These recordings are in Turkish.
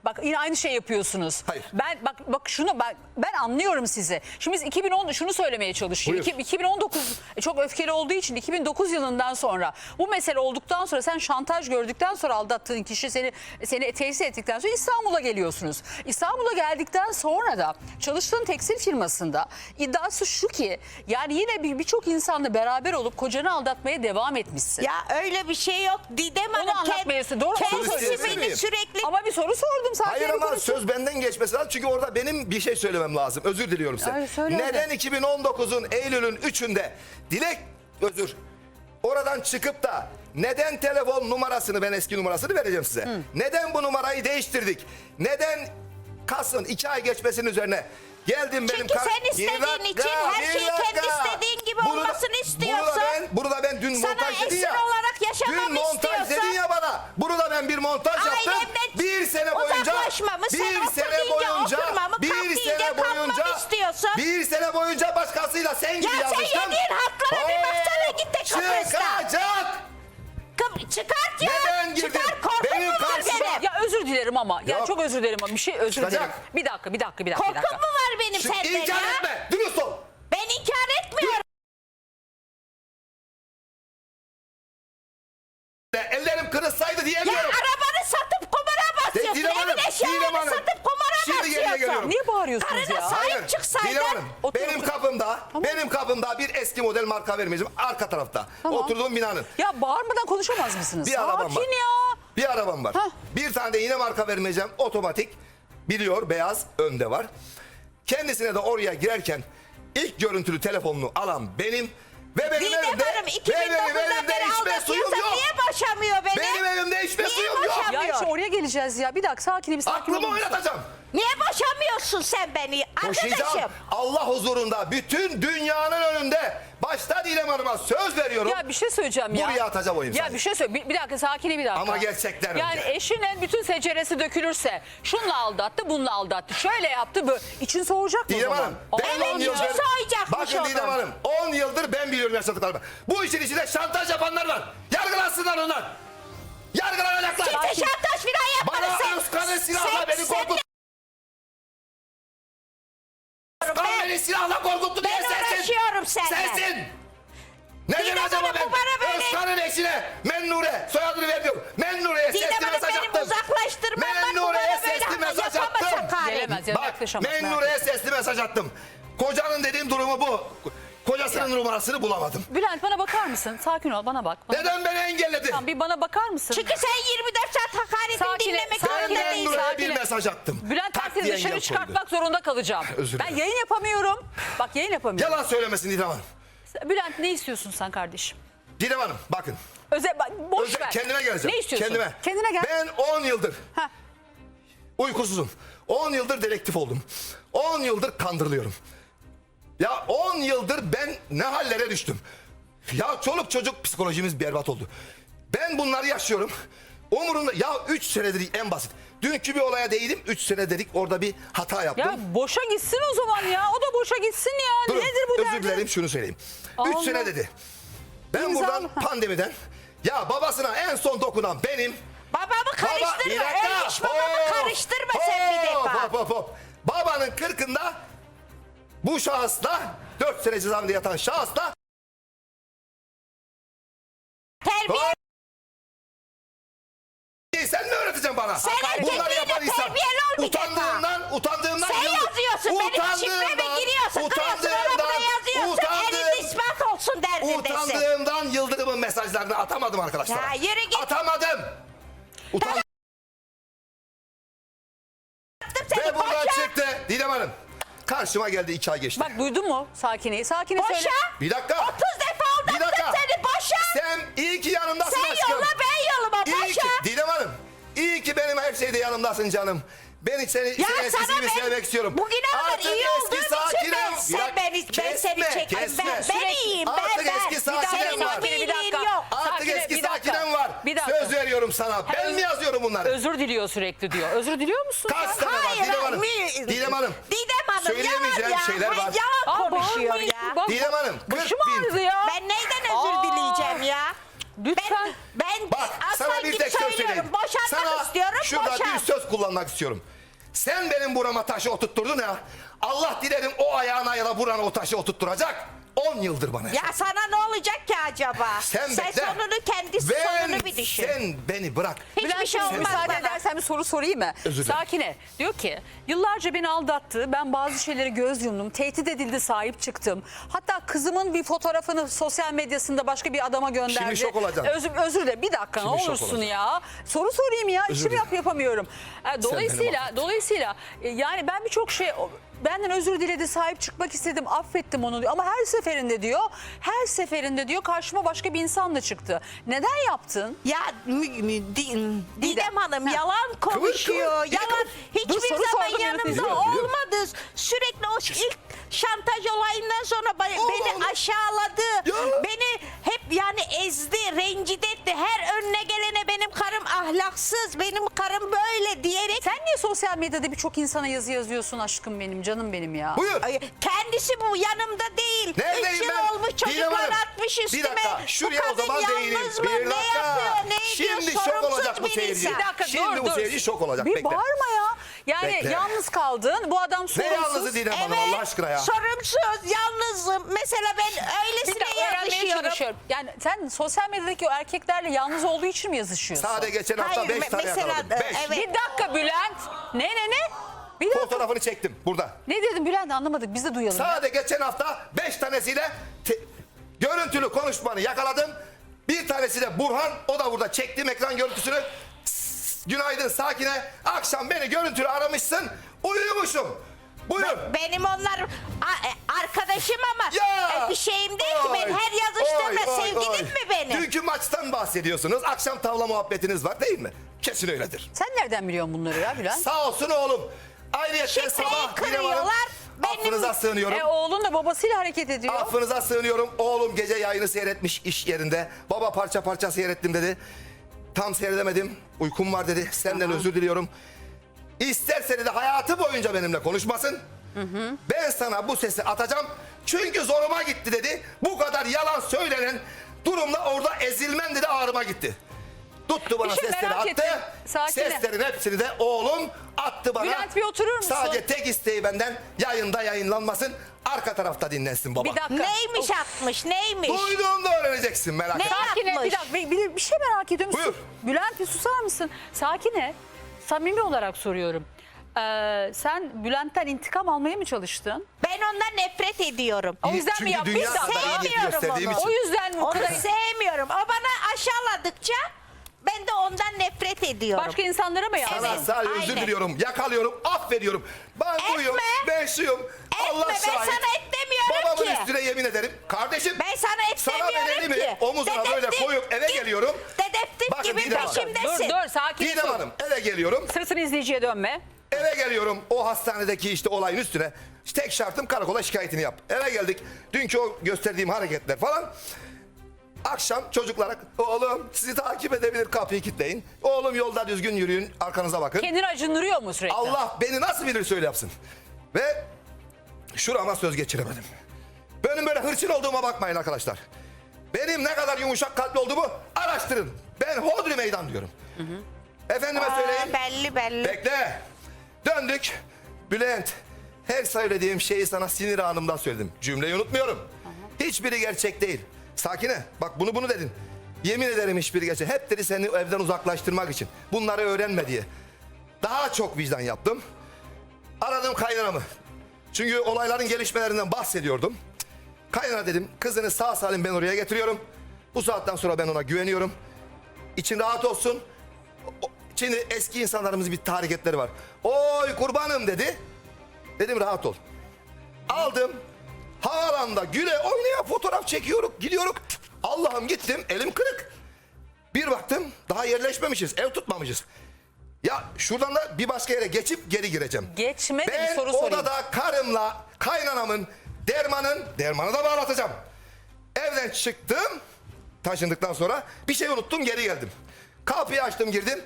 Bak yine aynı şey yapıyorsunuz. Hayır. Bak şunu ben anlıyorum sizi. Şimdi biz 2010 şunu söylemeye çalışıyor. Buyur. 2019 çok öfkeli olduğu için 2009 yılından sonra bu mesele olduktan sonra sen şantaj gördükten sonra aldattığın kişi seni tesis ettikten sonra İstanbul'a geliyorsunuz. İstanbul'a geldikten sonra da çalıştığın tekstil firmasında iddiası şu ki yani yine birçok insanla beraber olup kocanı aldatmaya devam etmişsin. Ya öyle bir şey yok. Didem Onu Hanım anlatmayasın. Doğru mu kendisi söylüyorsun? beni sürekli... Ama bir soru sordum sadece. Hayır ama söz benden geçmesi lazım. Çünkü orada benim bir şey söylemem lazım. Özür diliyorum size. Hayır, söyle Neden 2019'un Eylül'ün 3'ünde Dilek oradan çıkıp da neden telefon numarasını, ben eski numarasını vereceğim size. Neden bu numarayı değiştirdik? Neden Kasım 2 ay geçmesinin üzerine geldim benim... Çünkü sen istediğin için her şeyi kendi istediğin gibi olmasını istiyorsun. Bunu da ben dün Sana montaj dedin esir ya. olarak yaşamamı Dün montaj istiyorsan- dedin ya bana. Bunu da ben bir montaj yaptım. Ailemden Bir sene boyunca... uzaklaşmamı, sen otur deyince oturmamı, kalk deyince kalkmamı istiyorsun. Bir sene boyunca başkasıyla sen gibi Ya sen yazmıştım. yediğin haklara bir baksana, git de Kıbrıs'ta. Çıkacak. Çıkart ya. Neden girdin? Çıkar, korkum Benim mu var karşıma- benim? Ya özür dilerim ama. Ya Yok. çok özür dilerim ama bir şey özür Çıkacak. dilerim. Bir dakika. Korkum mu var benim Şu senden inkar ya? etme. Dürüst ol. Ben inkar etmiyorum. Ellerim kırılsaydı Ya diyemiyorum. arabanı satıp kumara basıyorsun. Didem Hanım, Evin Didem eşyalarını Hanım. satıp kumara Şimdi geriye basıyorsun. geliyorum. Niye bağırıyorsunuz Karına ya? sahip çıksaydın. Didem Hanım, Otur, benim otur. kapımda, Tamam. benim kapımda bir eski model marka vermeyeceğim. Arka tarafta. Tamam. Oturduğum binanın. Ya bağırmadan konuşamaz mısınız? Bir arabam Sakin var. ya. Bir arabam var. Hah. Bir tane de yine marka vermeyeceğim. Otomatik. Biliyor, beyaz önde var. Kendisine de oraya girerken ilk görüntülü telefonunu alan benim ve benim Didem evimde, Hanım ve 2009'dan benim beri içme suyum aldatıyorsa yok. niye boşamıyor beni? Benim evimde içme Niye suyum yok. boşamıyor? Ya işte oraya geleceğiz ya. Bir dakika sakin Aklımı olun. oynatacağım. Niye boşamıyorsun sen beni? Koşacağım. Arkadaşım. Allah huzurunda bütün dünyanın önünde başta Didem Hanım'a söz veriyorum. Ya bir şey söyleyeceğim ya. Buraya atacağım o imzayı. Ya bir şey söyle. Bir dakika sakine bir dakika. Ama gerçekten Yani önce. eşinin bütün seceresi dökülürse şunla aldattı bununla aldattı. Şöyle yaptı böyle. İçin soğuyacak mı o Didem zaman? Hanım, ben Evet, 10 içi yıldır... soğuyacakmış Bakın onun. Didem Hanım, 10 yıldır ben biliyorum yaşadıklarımı. Bu işin içinde şantaj yapanlar var. Yargılansınlar onlar. Yargılanacaklar. Kimse şantaj filan yapmadı. Bana Özkan'ın silahla beni korkuttu. Özkan beni silahla korkuttu diye Ben sensin. uğraşıyorum seninle. Sensin. Neden Didem acaba Hanım, ben bu bana böyle- Özkan'ın eşine Mennure soyadını vermiyorum. Mennure'ye Didem sesli Hanım mesaj benim attım. uzaklaştırmamdan Mennure'ye bana böyle sesli mesaj yapamaz attım. hakaret. Gelemez ya Bak yaklaşamaz. Mennure'ye sesli mesaj attım. Kocanın dediğim durumu bu. Kocasının numarasını bulamadım. Bülent bana bakar mısın? Sakin ol bana bak. Neden beni engelledi? Tamam, bir bana bakar mısın? Çünkü sen 24 saat hakaretini Sakine, dinlemek sakine, zorunda Ben değilsin. Mennure'ye sakin bir ol. mesaj attım. Bülent Tak ben diye seni dışarı engel çıkartmak koydu. zorunda kalacağım. Özür Ben dilerim. yayın yapamıyorum. Bak yayın yapamıyorum. Yalan söylemesin Didem Hanım. Bülent ne istiyorsun sen kardeşim? Didem Hanım bakın. Boş ver. Kendime geleceğim. Ne istiyorsun? Kendime. Kendine gel. Ben 10 yıldır Ha. uykusuzum. 10 yıldır dedektif oldum. 10 yıldır kandırılıyorum. Ya 10 yıldır ben ne hallere düştüm. Ya çoluk çocuk psikolojimiz berbat oldu. Ben bunları yaşıyorum. Umurumda ya 3 senedir en basit. Dünkü bir olaya değilim. 3 sene dedik orada bir hata yaptım. Ya boşa gitsin o zaman ya. O da boşa gitsin ya. Durun, Nedir bu özür derdin? dilerim şunu söyleyeyim. 3 Allah. sene dedi. Ben İmza buradan mı? pandemiden ya babasına en son dokunan benim. Babamı karıştırma. Bir dakika. Ölmüş babamı karıştırma sen bir defa. Hop. Babanın 40'ında bu şahısla 4 sene cezaevinde yatan şahısla Terbiye. sen mi öğreteceksin bana? Sen Bunları erkekliğine yapan insan. terbiyeli ol bir defa. Utandığımdan Sen yazıyorsun. Benim şifreme giriyorsun. Kırıyorsun oraya yazıyorsun. Elinde ispat olsun derdindesin. Utandığımdan Yıldırım'ın mesajlarını atamadım arkadaşlar. Ya yürü git. Atamadım. Utandım. Seni Ve buradan boşa. çıktı Didem Hanım. Karşıma geldi 2 ay geçti. Bak duydun mu Sakine'yi? Sakine söyle. Boşa. Bir dakika. 30 defa Bir dakika. aldattım seni. Boşa. Sen iyi ki yanımdasın Sen aşkım. yolla ben yoluma. İyi ki Boşa. Didem Hanım. İyi ki benim her şeyde yanımdasın canım. Ben seni eskisi sana gibi ben sevmek istiyorum. bugüne kadar Artık iyi eski olduğum için sakinim. ben seni çekerim. Ben iyiyim. Artık eski sakinem var. Sakine bir dakika. Yok. Artık Sakine, eski bir dakika. sakinem var. Bir dakika. Söz veriyorum sana. Ben mi yazıyorum bunları? Özür diliyor sürekli diyor. Özür diliyor musun? Kaç sen? tane var Hayır, Didem Hanım? hayır. Didem Hanım. Didem Hanım Söyleyemeyeceğim yalan ya. şeyler var. Yalan Aa, konuşuyor bağırmayın. ya. Bak, Didem Hanım, 40 Başım bin. ağrıdı ya. Ben neyden özür dileyeceğim ya? Lütfen. Ben Bak sana aslan bir gibi tek söz söyleyeyim. söylüyorum. Boşanmak Sana istiyorum. şurada Boşan. bir söz kullanmak istiyorum. Sen benim burama taşı oturtturdun ya. Allah dilerim o ayağına ya da burana o taşı oturtturacak. 10 yıldır bana. Ya sana ne olacak ki acaba? Sen bekle. sonunu kendisi sonunu bir düşün. Sen beni bırak. Hiçbir Bülent şey Hanım, olmaz müsaade bana. edersen bir soru sorayım mı? Özür dilerim. Sakine diyor ki yıllarca beni aldattı. Ben bazı şeyleri göz yumdum. Tehdit edildi, sahip çıktım. Hatta kızımın bir fotoğrafını sosyal medyasında başka bir adama gönderdi. Şimdi şok olacaksın. Özür dilerim. Bir dakika Şimdi ne şok olursun olacaksın. ya. Soru sorayım ya. Özür İşimi dilerim. yapamıyorum. Dolayısıyla affet. yani ben birçok şey benden özür diledi, sahip çıkmak istedim, affettim onu diyor. Ama her seferinde diyor karşıma başka bir insanla çıktı. Neden yaptın? Ya Didem Hanım yalan konuşuyor. kıvır. Yalan Dur, hiçbir soru zaman sordum, yanımda biliyorum. olmadı. Sürekli o ilk şantaj olayından sonra beni aşağıladı. Ya. Beni hep yani ezdi, rencide etti. Her önüne gelene benim karım ahlaksız, benim karım böyle diyerek. Sen niye sosyal medyada birçok insana yazı yazıyorsun aşkım benim, canım benim ya? Buyur. Ay, kendisi bu yanımda değil. Neredeyim 3 yıl ben? olmuş Didem çocuklar Hanım, atmış üstüme. Bir dakika Bu şuraya o kadın zaman değinelim. yalnız mı? Bir Ne dakika. yapıyor? Ne ediyor? Şimdi şok Sorumsuz olacak bu bir seyirci. insan. Bir dakika, Şimdi bu seyirci şok olacak. Bir Bekle. bağırma ya. Yani Bekle. yalnız kaldın. Bu adam Ne sorumsuz. yalnızı Didem Hanım Allah aşkına ya. sorumsuz, yalnızım. Mesela ben Bir öylesine dakika öğrenmeye yazışıyorum. çalışıyorum. Yani sen sosyal medyadaki o erkeklerle yalnız olduğu için mi yazışıyorsun? Sade geçen hafta Hayır, 5 tane mesela, yakaladım. 5. evet. Bir dakika Bülent. Ne? Bir dakika. Fotoğrafını çektim burada. Ne dedin Bülent, anlamadık, biz de duyalım. Sade geçen hafta 5 tanesiyle görüntülü konuşmanı yakaladım. Bir tanesi de Burhan. O da burada çektiğim ekran görüntüsünü. Günaydın Sakine. Akşam beni görüntülü aramışsın. Uyumuşum. Buyur. Benim onlar arkadaşım ama Ya! bir şeyim değil ki. Ben her yazıştığımda sevgilim mi benim? Dünkü maçtan bahsediyorsunuz. Akşam tavla muhabbetiniz var değil mi? Kesin öyledir. Sen nereden biliyorsun bunları ya Bülent? Sağ olsun oğlum. Ayrıca Şifreyi sabah Didem Hanım, kırıyorlar. Benim- affınıza sığınıyorum. Oğlun da babasıyla hareket ediyor. Affınıza sığınıyorum. Oğlum gece yayını seyretmiş iş yerinde. Baba parça parça seyrettim dedi. Tam seyredemedim. Uykum var dedi. Senden özür diliyorum. İsterse de hayatı boyunca benimle konuşmasın. Ben sana bu sesi atacağım. Çünkü zoruma gitti dedi. Bu kadar yalan söylenen durumda orada ezilmem dedi, ağrıma gitti. Tuttu bana Bir şey sesleri merak attı. ettim. Sakine. Seslerin hepsini de oğlum attı bana. Bülent, bir oturur musun? Sadece tek isteği benden yayında yayınlanmasın. Arka tarafta dinlensin baba. Bir dakika. Neymiş atmış, neymiş? Duyduğunda öğreneceksin, merak Ne etme. Sakine yapmış? bir dakika, bir şey merak ediyorum. Buyur. Bülent bir susar mısın? Sakine, samimi olarak soruyorum. Sen Bülent'ten intikam almaya mı çalıştın? Ben ondan nefret ediyorum. O yüzden mi Çünkü yaptın? dünya Bir dakika. kadar iyi Sevmiyorum gösterdiğim onu. için. O yüzden mi bu Onu kadar... sevmiyorum. O bana aşağıladıkça ben de ondan nefret ediyorum. Başka insanlara mı yaptın? Sana Evet, sadece özür aynen. diliyorum, yakalıyorum, affediyorum. Ben buyum, ben şuyum. Allah ben şahit. sana et demiyorum Babamın ki. üstüne yemin ederim. Kardeşim, Ben sana et sana ben demiyorum elimi ki. omuzuna böyle Dedektif koyup eve gibi- geliyorum. Dedektif Bakın gibi Didem Hanım. peşimdesin. Dur sakin Didem ol. Hanım eve geliyorum. Sırasını izleyiciye dönme. Eve geliyorum o hastanedeki işte olayın üstüne. İşte tek şartım karakola şikayetini yap. Eve geldik. Dünkü o gösterdiğim hareketler falan. Akşam çocuklara oğlum sizi takip edebilir, kapıyı kilitleyin. Oğlum yolda düzgün yürüyün, arkanıza bakın. Kendini acındırıyor mu sürekli? Allah beni nasıl bilir söyle yapsın. Ve şurama söz geçiremedim. Benim böyle hırçın olduğuma bakmayın arkadaşlar. Benim ne kadar yumuşak kalpli olduğumu araştırın. Ben hodri meydan diyorum. Efendime söyleyeyim. Belli. Bekle. Döndük. Bülent, her söylediğim şeyi sana sinir anımda söyledim. Cümleyi unutmuyorum. Hiçbiri gerçek değil. Sakine, bak bunu dedin. Yemin ederim hiçbiri gerçek. Hep dedi seni evden uzaklaştırmak için. Bunları öğrenme diye. Daha çok vicdan yaptım. Aradım kaynanamı. Çünkü olayların gelişmelerinden bahsediyordum. Kaynana dedim, kızını sağ salim ben oraya getiriyorum. Bu saatten sonra ben ona güveniyorum. İçin rahat olsun. Şimdi eski insanlarımızın bir hareketleri var. Oy kurbanım dedi. Dedim rahat ol. Aldım. Havaalanında güle oynaya fotoğraf çekiyoruz. Gidiyoruz. Allah'ım gittim elim kırık. Bir baktım daha yerleşmemişiz. Ev tutmamışız. Ya şuradan da bir başka yere geçip geri gireceğim. Geçme de bir Ben soru sorayım. odada karımla kaynanamın dermanı da bağlatacağım. Evden çıktım. Taşındıktan sonra bir şey unuttum, geri geldim. Kapıyı açtım, girdim.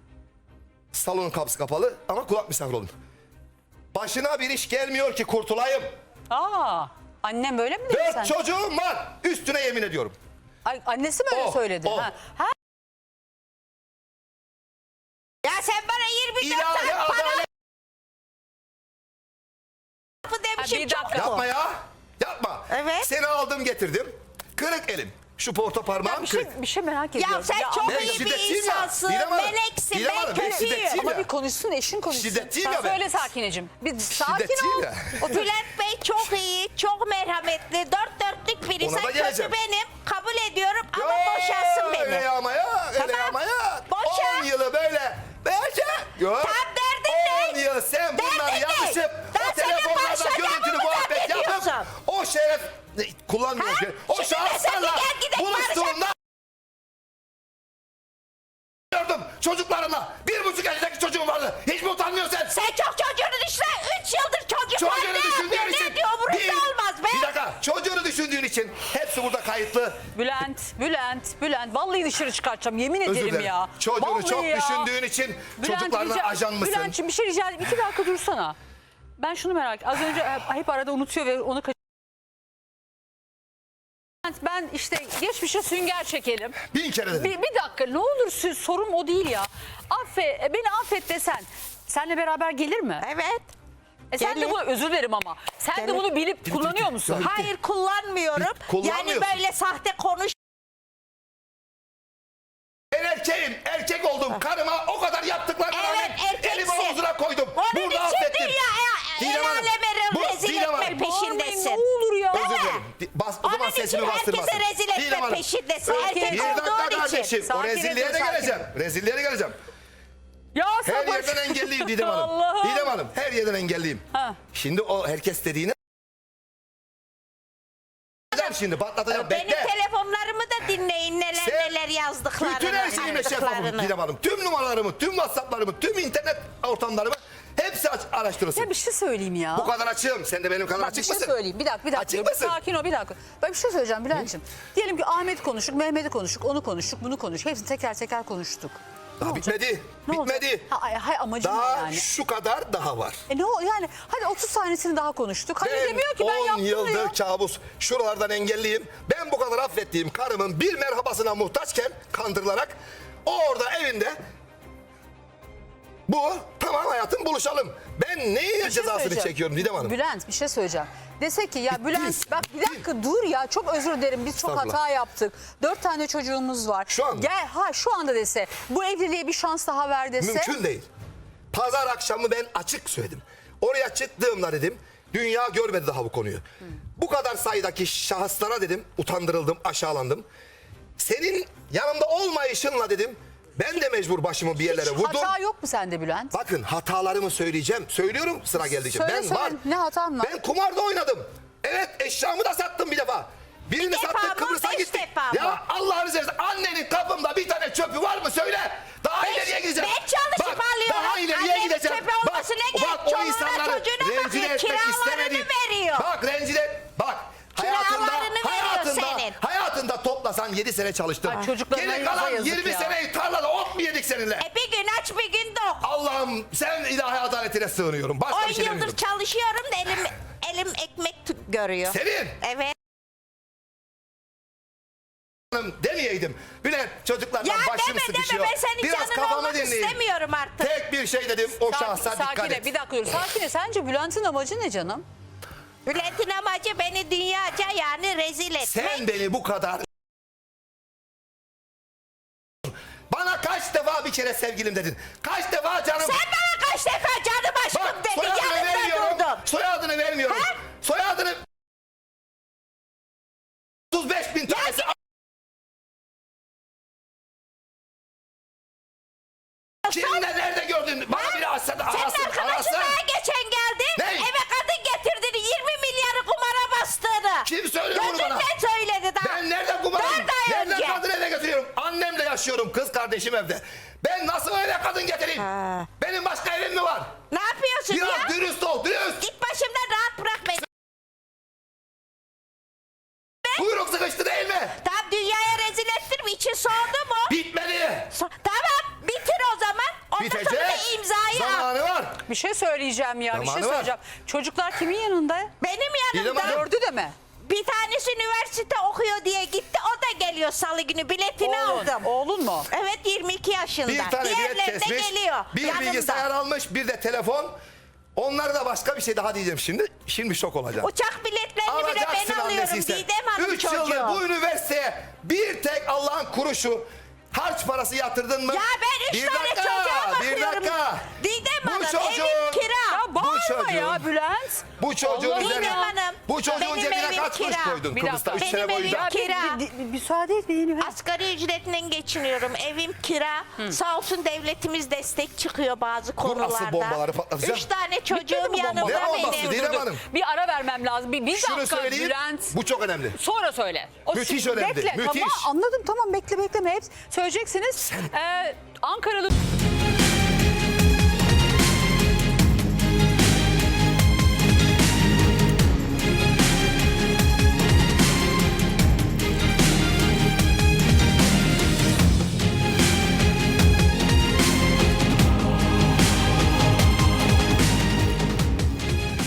Salonun kapısı kapalı ama kulak misafir oldum. Başına bir iş gelmiyor ki kurtulayım. Annem böyle mi dedi 4 sen? çocuğum var. Üstüne yemin ediyorum. Ay, annesi mi öyle O, söyledi? o. Ha. Ha, Ya sen bana 24 İlahi saat para adalet. lafı demişim bir çok dakika. mu? Yapma ya. Yapma. Evet. Seni aldım getirdim. Kırık elim. Şu porta parmağım kırık. bir şey merak ediyorum. Ya sen çok ben iyi bir şiddetliyim ya. insansın. Didem Hanım, Meleksin. Didem Ben Hanım, ben kötüyüm. şiddetliyim. Ama ya. bir konuşsun, eşin konuşsun. Şiddetliyim Sen ya ben. söyle Sakineciğim. Bir sakin Şiddetliyim ol. ya. Otur. Bülent Bey çok iyi, çok merhametli, dört dörtlük biri. Ona da Sen geleceğim. kötü benim, kabul ediyorum ama Yo, boşansın beni. Öyle ama ya. Öyle Tamam. ama ya. Boşa. 10 yılı böyle. Böyle. Yok. Tam derdin 10 yıl sen bunları Derdin ne? yazışıp Ben o senin telefonlarda başka görüntülü lafımı muhabbet yapıp zannediyorsun. o şeref kullanmıyor Ha? ki. O Şimdi de şahıslarla sen gel gidelim buluştuğumda gördüm çocuklarımla. 1,5 yaşındaki çocuğum vardı. Hiç mi utanmıyorsun sen? Sen çok çocuğunu düşünme. 3 yıldır çocuk var. Çocuğunu Ne düşündüğün yapıyor? için. Ne diyor? Umurumda olmaz be. Bir dakika. Çocuğunu düşündüğün için hepsi burada kayıtlı. Bülent. Vallahi dışarı çıkartacağım. Yemin Özür ederim dilerim. ya. Çocuğunu Vallahi çok ya. düşündüğün için çocuklarına ajan mısın? Bülent'ciğim bir şey rica edeyim. 2 dakika dursana. Ben şunu merak ettim. Az önce hep arada unutuyor ve onu ben işte geçmişe sünger çekelim. 1000 kere dedim. Bir dakika ne olur sorum o değil ya. Beni affet desen. Seninle beraber gelir mi? Evet. Sen de gelir. bunu özür dilerim ama. Sen de Gelir. bunu bilip kullanıyor musun? Bitti. Hayır kullanmıyorum. Yani Kullanmıyorsun. böyle sahte konuş. Ben erkeğim. Erkek oldum. Karıma o kadar yaptıklarına Evet, rağmen elimi erkeksin. omzuna koydum. Onun Burada için affettim. dünyaya el aleme rezil Didem Hanım, etme peşindesin. Ne olur ya. Özür Değil mi? dilerim. O zaman Onun sesimi için bastırmasın. herkese rezil etme Didem Hanım, peşindesin. Erkek Erkek Bir dakika olduğun için. kardeşim. O Sakin rezilliğe edin, de sakin. geleceğim. Rezilliğe de geleceğim. Ya Her sabır. yerden engelliyim Didem Hanım. Allah'ım. Didem Hanım her yerden engelliyim. Ha. Şimdi o herkes dediğini şimdi patlatacağım. Benim Bekle. telefonlarımı da dinleyin neler Sen neler yazdıklarını. Bütün her şeyimle şeffafım attıklarını. Didem Hanım. Tüm numaralarımı, tüm WhatsApp'larımı, tüm internet ortamlarımı hepsi araştırırsın. Ya bir şey söyleyeyim ya. Bu kadar açığım. Sen de benim kadar Bak, açık bir şey mısın? söyleyeyim. Bir dakika. Açık mısın? Sakin ol bir dakika. Ben bir şey söyleyeceğim Bülent'ciğim. Diyelim ki Ahmet konuştuk, Mehmet'i konuştuk, onu konuştuk, bunu konuştuk. Hepsini teker teker konuştuk. Daha bitmedi. Ne olacak? Bitmedi. Hay amacım ne Daha yani? şu kadar daha var. Ne o yani hadi 30 tanesini daha konuştuk. Hadi Ben demiyor ki ben 10 yaptım yıldır diyor. kabus. Şuralardan engelliyim. Ben bu kadar affettiğim karımın bir merhabasına muhtaçken kandırılarak o orada evinde bu tamam hayatım buluşalım. Ben neyin Bir şey cezasını söyleyeceğim. çekiyorum Didem Hanım? Bülent bir şey söyleyeceğim. Desek ki ya Bitti. Bülent bak bir dakika dur ya çok özür dilerim biz çok Estağfurullah. hata yaptık. 4 tane çocuğumuz var. Şu anda. Gel şu anda dese bu evliliğe bir şans daha ver dese. Mümkün değil. Pazar akşamı ben açık söyledim. Oraya çıktığımda dedim dünya görmedi daha bu konuyu. Bu kadar sayıdaki şahıslara dedim utandırıldım, aşağılandım. Senin yanımda olmayışınla dedim ben de mecbur başımı bir yerlere Hiç vurdum. hata yok mu sende Bülent? Bakın hatalarımı söyleyeceğim. Söylüyorum sıra geldikçe. Söyle, Ben söyle. var. Ne hatan var? Ben kumarda oynadım. Evet eşyamı da sattım bir defa. Birini Bir defa sattık mı, Kıbrıs'a 5 gittik. defa mı? Ya Allah'ını seversen annenin kapımda bir tane çöpü var mı söyle. Daha Ben- ileriye gideceğim. ben çalışıp alıyorum. Daha ileriye Annemin gideceğim. çöpü olması ne gerek? Bak o Çoluğuna, insanları çocuğuna rencide bakıyor, etmek kiralarını istemedim. veriyor. Bak rencide bak. Kiralarını veriyor senin. Hayatında toplasan 7 sene çalıştın. Ay, çocuklarına Geri kalan yazık 20 ya. seneyi tarlada ot mu yedik seninle? Bir gün aç bir gün dok. Allah'ım sen ilahi adaletine sığınıyorum. Başka 10 bir şey yıldır demiyorum. çalışıyorum da elim ekmek görüyor. Senin Evet. hanım demeyeydim. Bülent çocuklardan Ya başım deme sıkışıyor. deme ben senin Biraz canın kafamı olmak dinleyin. istemiyorum artık. Tek bir şey dedim o şahsa dikkat Sakine et. bir dakika dur. Sakine sence Bülent'in amacı ne canım? Bülent'in amacı beni dünyaca yani rezil etmek. Sen beni bu kadar... Bana kaç defa bir kere sevgilim dedin. Kaç defa canım... Sen bana kaç defa canım aşkım Bak dedin soyadını yanımda vermiyorum. durdun. Soyadını vermiyorum. Ha? Soyadını... 35.000 tanesi... Kimle nerede gördün? Bana biri arasın. Senin Arasın. arkadaşın daha geçen geldi. Ne? Eve kadın getirdin 20 milyarı kumara bastığını. Kim söylüyor bunu bana? Gözünden söyledi daha. Ben nereden kumarım? 4 ay Nereden önce. kadın eve getiriyorum? Annemle yaşıyorum. Kız kardeşim evde. Ben nasıl eve kadın getireyim? Ha. Benim başka evim mi var? Ne yapıyorsun Biraz ya? dürüst ol. Dürüst. Git başımdan rahat bırak beni. Kuyruk sıkıştı değil mi? Tamam dünyaya rezil ettin mi? İçin soğudu mu? Bitmedi. Tamam bitir o zaman. Ondan sonra da Bitecek. imzayı al. Zamanı var. Bir şey söyleyeceğim ya. Bir şey Zamanı var. söyleyeceğim. Çocuklar kimin yanında? Benim Didem yanımda. Hanım. Dördü de mi? Bir tanesi üniversite okuyor diye gitti. O da geliyor salı günü. Biletini aldım. Oğlun mu? Evet 22 yaşında. Bir tane bilet Diğerleri de kesmiş, geliyor. bir yanımda. bilgisayar almış, bir de telefon. Onlara da başka bir şey daha diyeceğim şimdi. Şimdi şok olacağım. Uçak biletlerini bile ben alıyorum. Didem Hanım 3 yıldır çocuğu. bu üniversiteye bir tek Allah'ın kuruşu harç parası yatırdın mı? Ya ben 3 tane çocuğa bakıyorum. Didem Hanım evim kira. Ya bağırma çocuğun- ya Bülent. Bu çocuğun Allah'ım üzerine, ya. Hanım, bu çocuğun benim cebine evim kaç kuruş kira. koydun Bir Kıbrıs'ta dakika. 3 sene Benim boyunca? evim kira. Müsaade et beni. Asgari ücretinden geçiniyorum. Evim kira. Sağ olsun devletimiz destek çıkıyor bazı konularda. asıl bombaları patlatacağım. 3 tane Bitti çocuğum mi bu bomba? yanımda Ne bombası benim. Didem Hanım? Bir ara vermem lazım. Bir Şunu dakika söyleyeyim, Bülent. bu çok önemli. Sonra söyle. Müthiş şimdi önemli, Bekle. müthiş. Tamam anladım tamam bekleme hep söyleyeceksiniz. Ankaralı